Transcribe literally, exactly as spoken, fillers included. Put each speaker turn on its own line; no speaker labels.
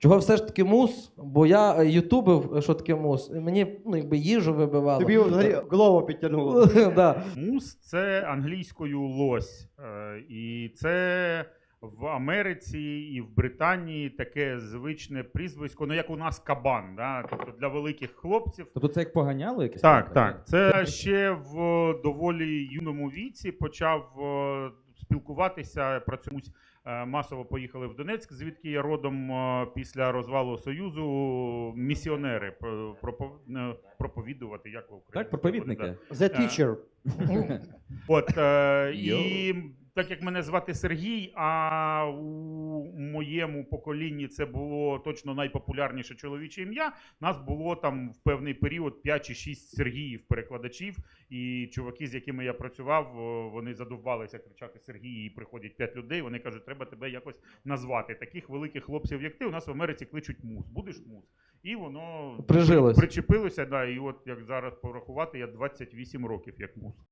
Чого все ж таки мус? Бо я е, ютубив, що таке мус. І мені ну, якби їжу вибивало.
Тобі взагалі голову підтягнуло.
Да.
Мус – це англійською лось. Е, І це в Америці і в Британії таке звичне прізвисько, ну як у нас кабан, да? Тобто для великих хлопців.
Тобто це як поганяло якесь?
Так, так. Це ще в доволі юному віці почав е, спілкуватися, про цьомусь е, масово поїхали в Донецьк, звідки я родом е, після розвалу Союзу, місіонери про- пропов- е, проповідувати, як в Україні.
Так, проповідники.
The teacher.
От, е,
Йо.
і так як мене звати Сергій, а у моєму поколінні це було точно найпопулярніше чоловіче ім'я, нас було там в певний період п'ять чи шість Сергіїв перекладачів, і чуваки, з якими я працював, о, вони задовбалися кричати Сергій, і приходять п'ять людей, вони кажуть, треба тебе якось назвати. Таких великих хлопців, як ти, у нас в Америці кличуть Мус. Будеш Мус? І воно
Прижилось.
причепилося, да, і от як зараз порахувати, я двадцять вісім років як Мус.